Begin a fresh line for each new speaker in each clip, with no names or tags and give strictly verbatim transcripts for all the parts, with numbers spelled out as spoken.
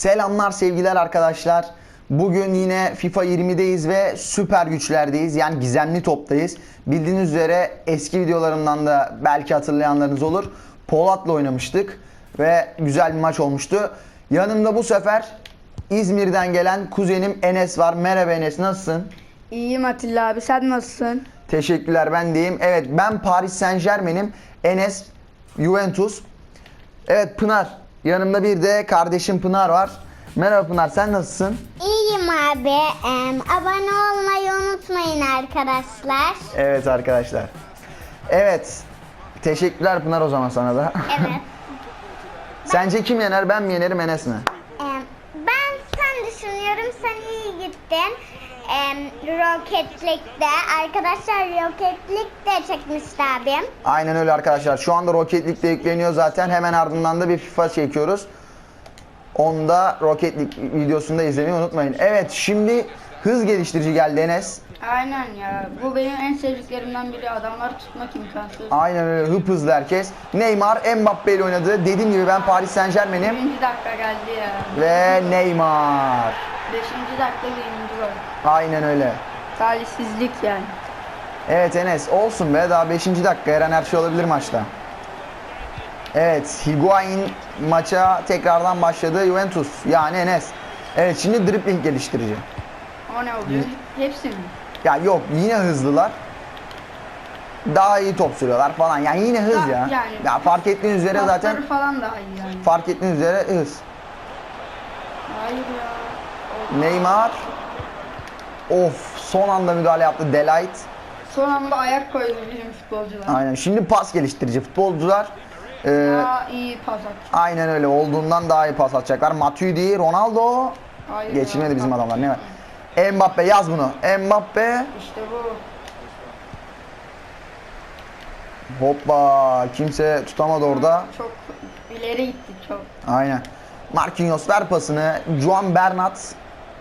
Selamlar sevgiler arkadaşlar. Bugün yine FIFA yirmideyiz ve süper güçlerdeyiz. Yani gizemli toptayız. Bildiğiniz üzere eski videolarımdan da belki hatırlayanlarınız olur. Polat'la oynamıştık ve güzel bir maç olmuştu. Yanımda bu sefer İzmir'den gelen kuzenim Enes var. Merhaba Enes, nasılsın?
İyiyim Atilla abi, sen nasılsın?
Teşekkürler, ben deyim. Evet, ben Paris Saint-Germain'im. Enes Juventus. Evet Pınar. Yanımda bir de kardeşim Pınar var. Merhaba Pınar, sen nasılsın?
İyiyim abi. Em, abone olmayı unutmayın arkadaşlar.
Evet arkadaşlar. Evet. Teşekkürler Pınar o zaman sana da.
Evet.
Sence kim yener? Ben mi yenerim, Enes mi?
Em, ben sen düşünüyorum. Sen iyi gittin. Em, Rocket League'de. Arkadaşlar Rocket League'de çekmişti abim.
Aynen öyle arkadaşlar. Şu anda Rocket League'de yükleniyor zaten. Hemen ardından da bir FIFA çekiyoruz. Onu da Rocket League videosunda izlemeyi unutmayın. Evet, şimdi hız geliştirici geldi Enes.
Aynen ya, bu benim en sevdiklerimden biri, adamları tutmak imkansız.
Aynen öyle, hıp hızlı herkes. Neymar Mbappe ile oynadı. Dediğim gibi ben Paris Saint-Germain'im.
Birinci dakika geldi ya.
Ve Neymar.
Beşinci dakika birinci gol.
Aynen öyle.
Talihsizlik yani.
Evet Enes, olsun be, daha beşinci dakika, her an her şey olabilir maçta. Evet, Higuain maça tekrardan başladı, Juventus yani Enes. Evet, şimdi dribbling geliştirici.
O ne oluyor? Hepsi mi?
Ya yok, yine hızlılar. Daha iyi top sürüyorlar falan, yani yine hız
Ya-
ya.
yani-
Ya fark ettiğiniz üzere
Pasları
zaten,
falan daha iyi yani.
fark ettiğiniz üzere hız.
Hayır ya. O-
Neymar. Of, son anda müdahale yaptı Delight.
Son anda ayak koydu bizim futbolcular.
Aynen, şimdi pas geliştirici futbolcular. Ee,
Daha iyi pas attı.
aynen öyle, olduğundan daha iyi pas atacaklar. Matuidi, Ronaldo.
Hayır
Geçilmedi
ya.
bizim adamlar, ne var? Mbappe, yaz bunu. Mbappe.
İşte bu.
Hoppa, kimse tutamadı orada.
Çok ileri gitti çok.
Aynen. Marquinhos ver pasını. Juan Bernat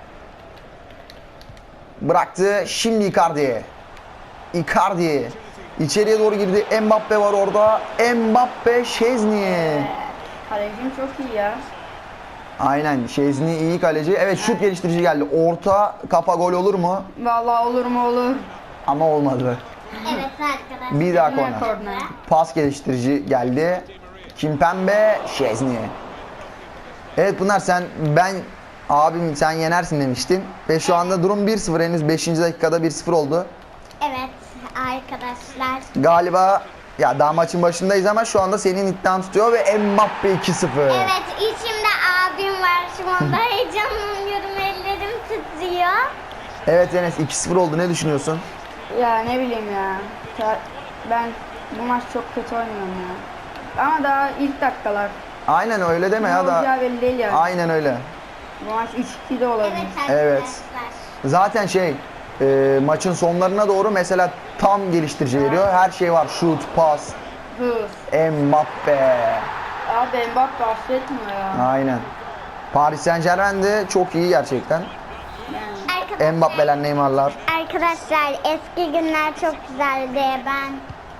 bıraktı. Şimdi Icardi. Icardi içeriye doğru girdi. Mbappe var orada. Mbappe, Şezni.
Kalecim çok iyi ya.
Aynen, Şezni iyi kaleci. Evet, şut geliştirici geldi. Orta kafa, gol olur mu?
Vallahi olur mu olur.
Ama olmadı.
Evet arkadaşlar.
Bir daha
Ne
korner.
korner?
Pas geliştirici geldi. Kimpembe, Şezni. Evet Pınar, sen ben abim sen yenersin demiştin. Ve şu anda durum bir sıfır, henüz beşinci dakikada bir sıfır oldu.
Evet arkadaşlar.
Galiba ya daha maçın başındayız ama şu anda senin iddian tutuyor ve Mbappe iki sıfır.
Evet, içimde abim var şu anda. Heyecanlanıyorum, ellerim titriyor.
Evet Enes, iki sıfır oldu, ne düşünüyorsun?
Ya ne bileyim ya. Ta- Ben bu maç çok kötü oynuyorum ya. Ama daha ilk dakikalar.
Aynen öyle deme
Ne
ya da.
olacağı belli değil ya.
Aynen öyle.
Bu maç üç iki de olabilir.
Evet arkadaşlar.
Evet. Zaten şey e, maçın sonlarına doğru mesela tam geliştirici veriyor. Her şey var. Şut, pas,
Hız.
Mbappe.
Abi Mbappe affetmiyor ya.
Aynen. Paris Saint-Germain de çok iyi gerçekten.
Yani.
Arkadaşlar,
Mbappe'ler, Neymar'lar.
arkadaşlar eski günler çok güzeldi. Ben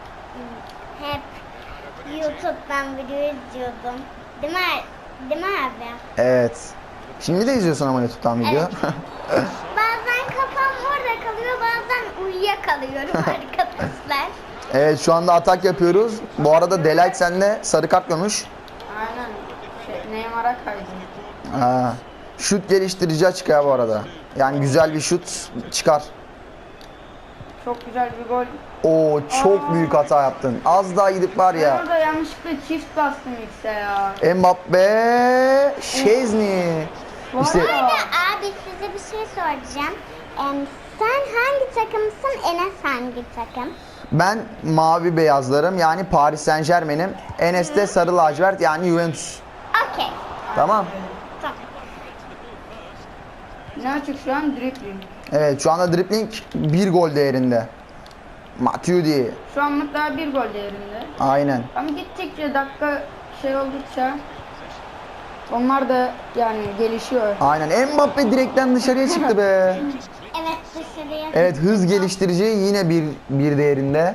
hep YouTube'dan video izliyordum. Değil mi? Değil mi abi?
Evet. Şimdi de izliyorsun ama YouTube'dan video.
Bazen kafam orada kalıyor, bazen uyuyakalıyorum arkadaşlar.
Evet, şu anda atak yapıyoruz. Bu arada Delight sende sarı kart görmüş.
Aynen. Şey, Neymar'a kaydı.
Ha. Şut geliştirici açık ya bu arada. Yani güzel bir şut çıkar.
Çok güzel bir gol.
Oo, çok büyük hata yaptın. Az daha gidip var
Ben
ya.
orada yanlışlıkla çift bastım X'e ya.
Mbappe, Şezni.
Bu
İşte
arada-
Abi size bir şey soracağım. Em, sen hangi takımsın? Enes hangi takım?
ben mavi beyazlarım, yani Paris Saint-Germain'im. Enes de sarı lacivert, yani Juventus.
Okey.
Tamam.
Tamam.
Ne açık şu an? Dribbling.
Evet, şu anda dribbling bir gol değerinde. Matuidi.
Şu anlık daha bir gol değerinde.
Aynen.
Ama gittikçe dakika şey oldukça onlar da yani gelişiyor.
Aynen. Mbappe direkten dışarıya çıktı be.
Evet, dışarıya.
Evet, hız geliştirici yine bir bir değerinde.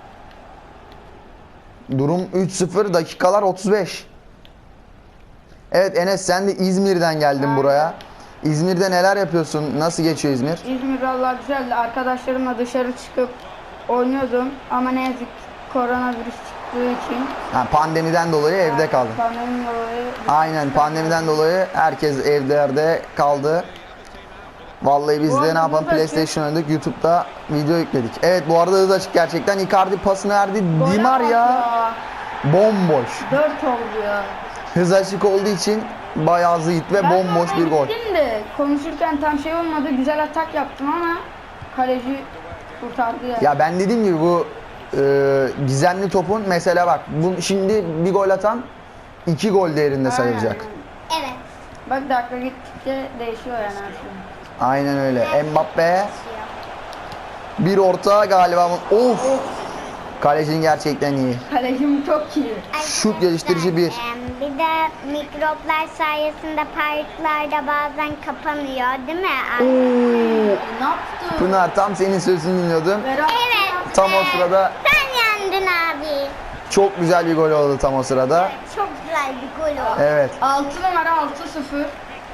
Durum üç sıfır, dakikalar otuz beş. Evet Enes, sen de İzmir'den geldin
Aynen.
buraya. İzmir'de neler yapıyorsun? Nasıl geçiyor İzmir?
İzmir vallahi güzeldi. Arkadaşlarımla dışarı çıkıp oynuyordum ama ne yazık ki koronavirüs çıktığı için
Ha, pandemiden dolayı evde kaldın.
pandemi dolayı
Aynen, pandemiden dolayı herkes evlerde kaldı. Vallahi biz
Bu
de
arada
ne yapalım,
hız açık.
PlayStation oynadık, YouTube'da video yükledik. Evet, bu arada hız açık gerçekten. Icardi pasını verdi.
gole
Di
bak
Maria bomboş.
dört oldu ya.
Hız açık olduğu için bayağı zıt ve
Ben
bomboş
zaten
bir gol.
gittim de konuşurken tam şey olmadı. Güzel atak yaptım ama kaleci kurtardı ya.
Ya ben dediğim gibi bu e, gizemli topun mesela bak, bu şimdi bir gol atan iki gol değerinde sayılacak.
Aynen.
Evet.
Bak dakika gittikçe değişiyor yani her şey.
Aynen öyle. Mbappe bir orta galiba. Of! Kalecinin gerçekten iyi.
Kalecim çok iyi.
Şut geliştirici bir.
Arkadaşlar, em, Bir de mikroplar sayesinde parklarda bazen kapanıyor değil mi?
Oo,
Ne yaptı?
Pınar, tam senin sözünü dinliyordum.
Berat
Evet.
Tam o
e,
sırada
Sen yendin abi.
çok güzel bir gol oldu tam o sırada.
Çok güzel bir gol oldu.
Evet.
altı numara altı sıfır.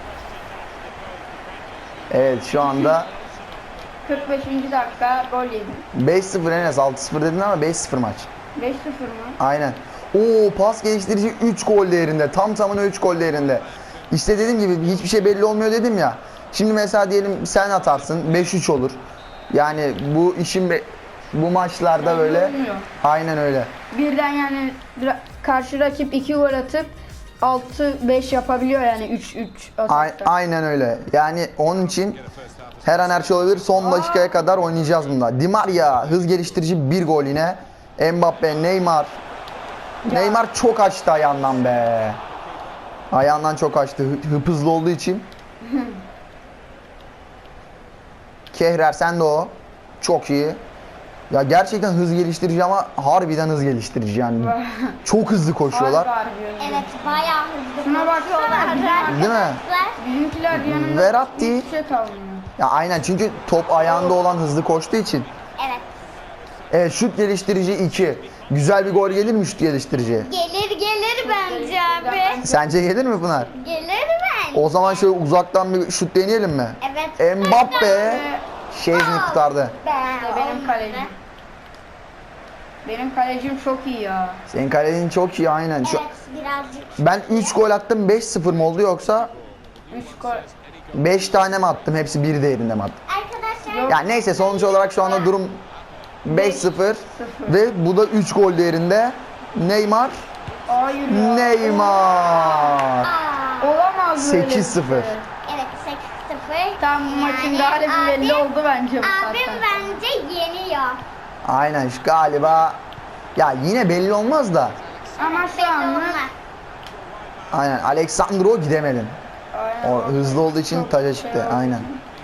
Evet, şu anda
kırk beşinci dakika gol yedi.
beş sıfır Enes, altı sıfır dedin ama beş sıfır maç.
beş sıfır mı?
Aynen. Oo, pas geliştirici üç gol değerinde. Tam tamına üç gol değerinde. İşte dediğim gibi hiçbir şey belli olmuyor dedim ya. Şimdi mesela diyelim sen atarsın, beş üç olur. Yani bu işin be- bu maçlarda
Belli
böyle
olmuyor.
aynen öyle.
Birden yani ra- karşı rakip iki gol atıp altı beş yapabiliyor yani üç üç
A-
atakta.
aynen öyle. Yani onun için her an her şey olabilir. Son dakikaya kadar oynayacağız bunda. Di Maria hız geliştirici bir gol yine. Mbappe, Neymar.
Ya.
Neymar çok açtı ayağından be. Ayağından çok açtı. Hı- hıp hızlı olduğu için. Kehrer, sen de o. Çok iyi. Ya gerçekten hız geliştirici ama harbiden hız geliştirici yani. Çok hızlı koşuyorlar.
Harbi harbi.
Evet, bayağı hızlı
Şuna baksana.
koşuyorlar.
Değil mi?
Arkadaşlar,
Bizimkiler yanında
Verratti.
hiçbir şey kalmıyor.
Ya aynen, çünkü top ayağında olan hızlı koştuğu için.
Evet.
Evet, şut geliştirici iki. Güzel bir gol gelir mi şut geliştirici?
Gelir gelir bence abi.
Sence gelir mi Pınar?
Gelir bence.
O zaman şöyle uzaktan bir şut deneyelim mi?
Evet.
Mbappe Şezni kurtardı.
Ben
Benim kalecim. Benim kalecim çok iyi ya.
Senin kalenin çok iyi aynen. Şu,
Evet, birazcık.
ben üç gol attım, beş sıfır mı oldu yoksa
üç gol.
beş tane mi attım, hepsi bir değerinde mi attım?
Arkadaşlar,
Yok.
Yani neyse, sonuç olarak şu anda durum beş sıfır ve bu da üç gol değerinde. Neymar
Hayır ya.
Neymar
aa,
Olamaz böyle.
sekiz sıfır.
evet sekiz sıfır.
Tam bu maçın galibi belli oldu bence bu
Abim
saatten.
bence yeniyor.
Aynen, şu galiba ya yine belli olmaz da.
Ama şu
Belli
anlık
olmaz.
Aynen, Alexandro gidemedin.
Aynen.
O hızlı olduğu için
Çok
taca
şey
çıktı.
oldu.
Aynen.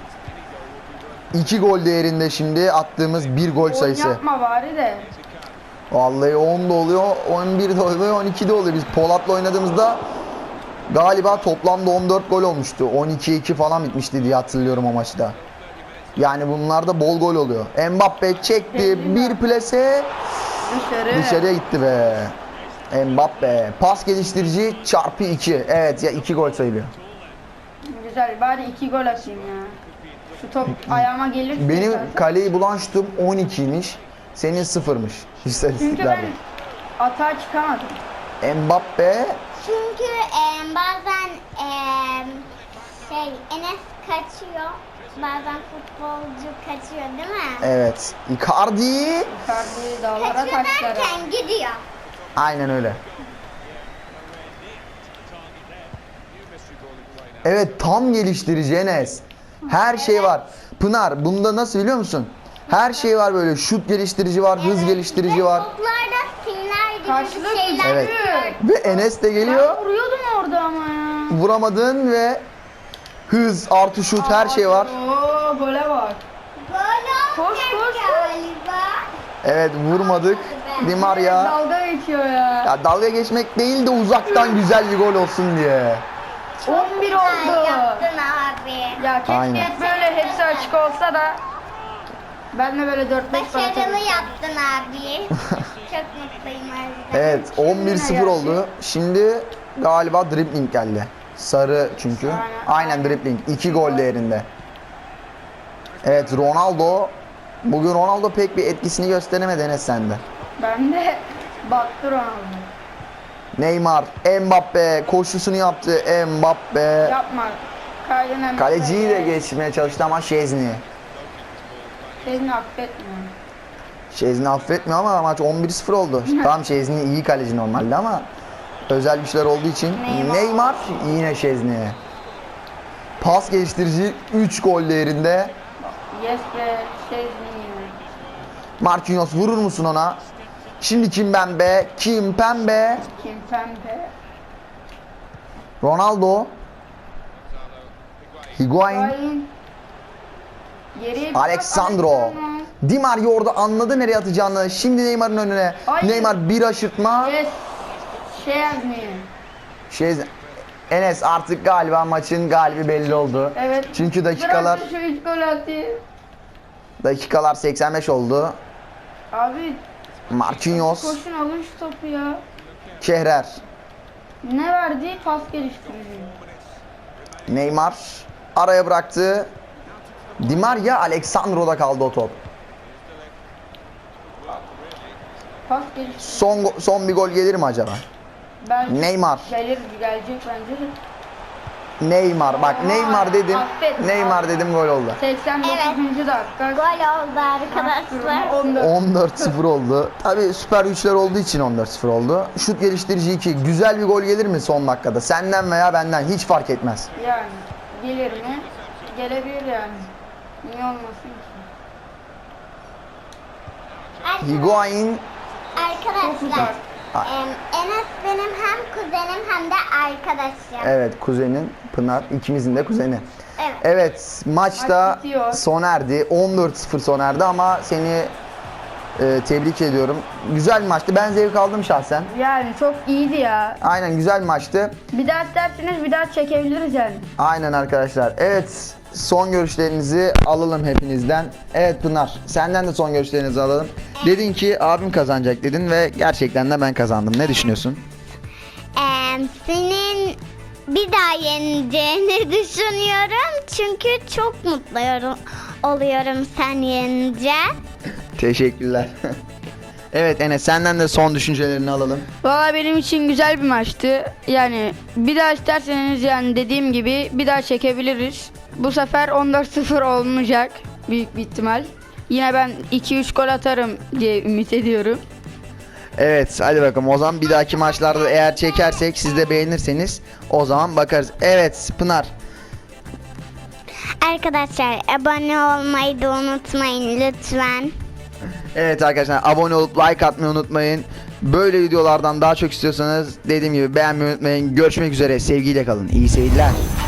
iki gol değerinde şimdi attığımız bir gol
Oyun
sayısı.
yapma bari de.
Vallahi on da oluyor, on bir de oluyor, on iki de oluyor. Biz Polat'la oynadığımızda galiba toplamda on dört gol olmuştu. on iki iki falan bitmişti diye hatırlıyorum o maçta. Yani bunlarda bol gol oluyor. Mbappe çekti, bir plase
Dışarı.
dışarıya gitti be. Mbappe pas geliştirici çarpı iki. Evet ya, iki gol sayılıyor.
Güzel, bari iki gol atayım ya. Şu top ayağıma gelir.
Benim
zaten.
kaleyi bulan şutum on ikiymiş. Senin sıfırmış
Çünkü
istatistiklerde.
ben atağa çıkamadım.
Mbappe
Çünkü e, bazen e, şey Enes kaçıyor. Bazen futbolcu kaçıyor değil mi?
evet. Icardi
Icardi dağlara
Kaçıyor
taşlara.
derken gidiyor.
aynen öyle. Evet, tam geliştirici Enes. Her şey var. Pınar, bunda nasıl biliyor musun? Her şey var böyle. Şut geliştirici var, hız
Evet,
geliştirici
ve
var.
Toplarda simler gibi
Karşılık
bir şeyler.
Evet.
güçlü.
Ve Enes de geliyor.
Ben vuruyordum orada ama ya.
Vuramadın ve hız artı şut, her şey var.
Oo, gole bak.
Böyle
Koş,
olacak
koş, koş.
galiba.
Evet, vurmadık. Di Maria.
Dalga geçiyor ya.
Ya dalga geçmek değil de uzaktan güzel bir gol olsun diye.
on bir
Güzel
oldu.
yaptın abi.
Ya keşke
Aynen.
hep böyle hepsi açık olsa da ben de böyle dört beş gol
Başarılı
atabilsem.
yaptın abi. Çok mutluyum o yüzden.
Evet, on bir sıfır oldu. Şimdi galiba dribbling geldi. Sarı çünkü.
Aynen.
Aynen dribbling. iki gol değerinde. Evet Ronaldo. Bugün Ronaldo pek bir etkisini gösteremedi Enes sende.
Ben de baktı Ronaldo.
Neymar, Mbappe koşusunu yaptı. Mbappe.
Yapma. Kaydın hemen.
Kaleciyi de geçmeye çalıştı ama Şezni.
Seni affetmiyorum.
Şezni affetmiyor ama maç on bir sıfır oldu. Tamam Şezni iyi kaleci normalde ama özel güçler olduğu için
Neymar.
Neymar yine Şezni'ye. Pas geliştirici üç gol değerinde.
Yes be. Şey yine.
Marquinhos vurur musun ona? Şimdi kim Pembe? Kim Pembe?
Kim pembe.
Ronaldo. Higuain.
Higuain. Geriye bir
Alexandro.
bak, Alexandro.
Di Maria orada anladı nereye atacağını. Şimdi Neymar'ın önüne.
Ay.
Neymar bir aşırtma.
Yes. Şey yazmıyor.
Şey, Enes artık galiba maçın galibi belli oldu.
Evet.
Çünkü dakikalar
Bırak da şu üç gol atayım.
dakikalar seksen beş oldu.
Abi
Marquinhos,
koşun alın şu topu ya.
Kehrer,
Ne verdi? Pas geliştirici.
Neymar araya bıraktı. Di Maria, Alexandro'da kaldı o top.
Pas geliştirici.
Son go- son bir gol gelir mi acaba?
Ben
Neymar.
Gelir gelecek bence de.
Neymar bak
Aa,
Neymar dedim.
affet.
Neymar dedim gol oldu.
seksen dokuzuncu dakika.
Gol oldu arkadaşlar.
on dört.
on dört sıfır oldu. Tabii süper güçler olduğu için on dört sıfır oldu. Şut geliştirici iki. Güzel bir gol gelir mi son dakikada? Senden veya benden hiç fark etmez.
Yani gelir mi? Gelebilir yani. Niye olmasın ki?
Higuain
Çok
Arkadaşlar.
uzak.
em, Enes benim hem kuzenim hem de arkadaşım.
evet kuzenin Pınar ikimizin de kuzeni.
Evet.
Evet maçta
Maç bitiyor.
sona erdi. on dört sıfır sona erdi ama seni e, tebrik ediyorum. Güzel bir maçtı. Ben zevk aldım şahsen.
Yani çok iyiydi ya.
Aynen güzel bir maçtı.
Bir daha isterseniz bir daha çekebiliriz yani.
Aynen arkadaşlar. Evet son görüşlerinizi alalım hepinizden. Evet Pınar senden de son görüşlerinizi alalım. Dedin ki abim kazanacak dedin ve gerçekten de ben kazandım. Ne düşünüyorsun?
Em, senin bir daha yeneceğini düşünüyorum. Çünkü çok mutlu yorum- oluyorum sen yenince.
Teşekkürler. Evet Enes senden de son düşüncelerini alalım.
Valla benim için güzel bir maçtı. Yani bir daha isterseniz yani dediğim gibi bir daha çekebiliriz. Bu sefer on dört sıfır olmayacak büyük bir ihtimal. Yine ben iki üç gol atarım diye ümit ediyorum.
Evet hadi bakalım o zaman bir dahaki maçlarda eğer çekersek siz de beğenirseniz o zaman bakarız. Evet Pınar.
Arkadaşlar abone olmayı da unutmayın lütfen.
Evet arkadaşlar abone olup like atmayı unutmayın. Böyle videolardan daha çok istiyorsanız dediğim gibi beğenmeyi unutmayın. Görüşmek üzere sevgiyle kalın. İyi seyirler.